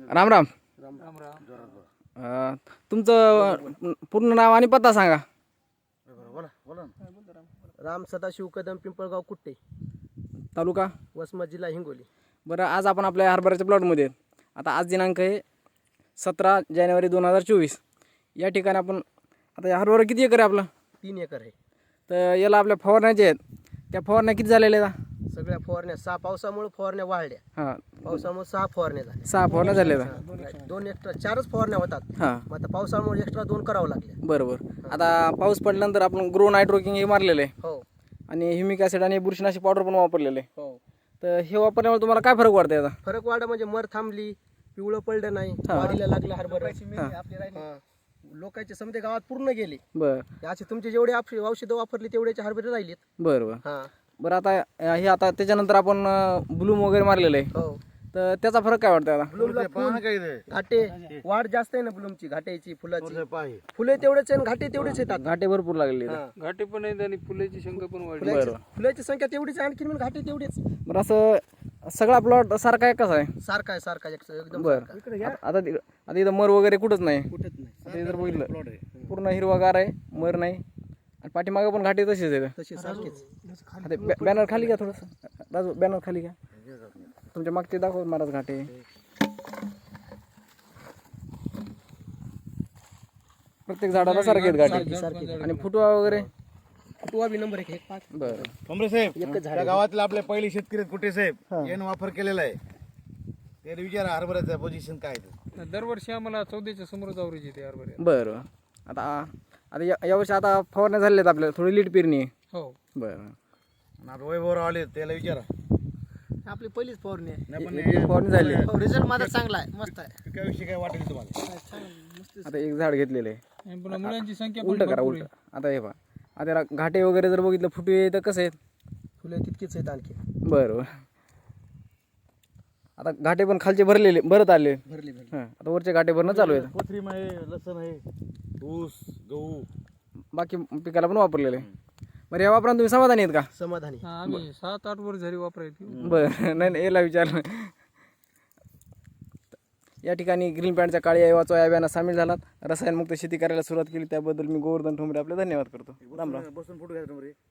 राम राम. राम राम. तुमचं पूर्ण नाव आणि पत्ता सांगा. राम सदाशिव कदम, पिंपळगाव कुट्टे, तालुका वसमत, जिल्हा हिंगोली. बरं, आज आपण आपल्या हरभऱ्याच्या प्लॉटमध्ये आहेत. आता आज दिनांक आहे 17 जानेवारी 2024. या ठिकाणी आपण आता या हरभरा किती एकर आहे आपलं? 3 एकर आहे. तर याला आपल्या फवारण्या ज्या आहेत त्या फवारण्या किती झालेल्या आहेत? सगळ्या फवारण्या 6 पावसामुळे फवारण्या वाढल्या. हां, पावसामुळे 6 फवारण्या झाल्या. 6 फवारण्या झालेल्या आहेत. 2 एक्स्ट्रा 4च फवारण्या होतात. हां, मग आता पावसामुळे एक्स्ट्रा 2 करावं लागल्या. बरोबर. आता पाऊस पडल्यानंतर आपण ग्रो नायट्रोकिंग हे मारलेलं आहे हो आणि ह्युमिक ॲसिड आणि बुरशीनाशक पावडर पण वापरलेलं आहे. हो. तर हे वापरल्यामुळे तुम्हाला काय फरक वाटतं याचा? फरक वाढ म्हणजे मर थांबली, पिवळं पडलं नाही, हा. वाढीला लागलं हरभरा. हां. लोकांचे समजे गावात पूर्ण गेले. बरं असे तुमचे जेवढे औषधं वापरली तेवढ्याचे हरभरे राहिलेत. बरं बरं हा बरं. आता हे आता त्याच्यानंतर आपण ब्लूम वगैरे मारलेलं आहे. हो. तर त्याचा फरक काय वाटतं आता? ब्लूमला घाटे वाढ जास्त आहे ना, ब्लूमची घाट्याची फुलाची. फुले तेवढेच आहे आणि घाटे तेवढेच येतात. घाटे भरपूर लागलेले आहेत. हा. घाटे पण आहेत आणि फुलाची संख्या पण वाढली. फुलाची संख्या तेवढीच आहे, आणखी घाटे तेवढेच. बरं, असं सगळा प्लॉट सारखा आहे कसा आहे? सारखा आहे, सारखा एकदम बरं. सारखा. आता इथं मर वगैरे कुठंच नाही. कुठेच नाही. आता हे जर बघितलं पूर्ण हिरवागार आहे, मर नाही आणि पाठीमागं पण घाटे तसेच आहेत. तशी सारखीच. आता बॅनर खाली घ्या थोडंसं, राजू बॅनर खाली घ्या. तुमच्या मागचे दाखव महाराज घाटे. प्रत्येक झाडाला सारखे आहेत घाटे सारखी. आणि फुटवा वगैरे. फुटवा बी नंबर 1 पाच. बरं. कमरे साहेब, एकच झाड या गावातले आपले पहिले शेतकरी आहेत कुठे साहेब, यानं वापर केलेला आहे. त्याला विचारा हरभऱ्याचं पोझिशन काय आहे. दरवर्षी आम्हाला 14च्या समोर जावरीची येते हरभऱ्यात. बरं. आता आता यावर्षी आता फवारण्या झालेल्या आहेत आपल्याला, थोडी लीट पेरणी आहे. हो. बरं. आणि आता वैभवराव आले त्याला विचारा. आपली पहिलीच फवारणी आहे. नाही पण एक फवारणी झाली. रिझल्ट माझा चांगला आहे, मस्त आहे. पिकाविषयी काय वाटेल तुम्हाला? आता एक झाड घेतलेलं आहे. आणि पुन्हा मुलांची संख्या पण उलट करा, भरपूर उलट. आता हे पहा, आता याला घाटे वगैरे जर बघितलं फुटवे तर कसं आहेत? फुले तितकीच आहेत आणखी. बरं बरं. आता घाटे पण खालचे भरत आले. भरली. हां, आता वरचे घाटे भरणं चालू आहेत. कोथरीम आहे, लसण आहे, ऊस, गहू. बाकी पिकाला पण वापरलेलं आहे. बरं, या वापरानं तुम्ही समाधानी आहेत का? समाधानी. हा, आम्ही 7-8 वर झाली वापरायची. बरं. नाही याला विचारलं. या ठिकाणी ग्रीन पॅन्टच्या काळी वाचो या अभियानात सामील झालात, रसायनमुक्त शेती करायला सुरुवात केली त्याबद्दल मी गोवर्धन ठोंबरे आपले धन्यवाद करतो. राम राम. बसून फोटो घ्यायचा रे.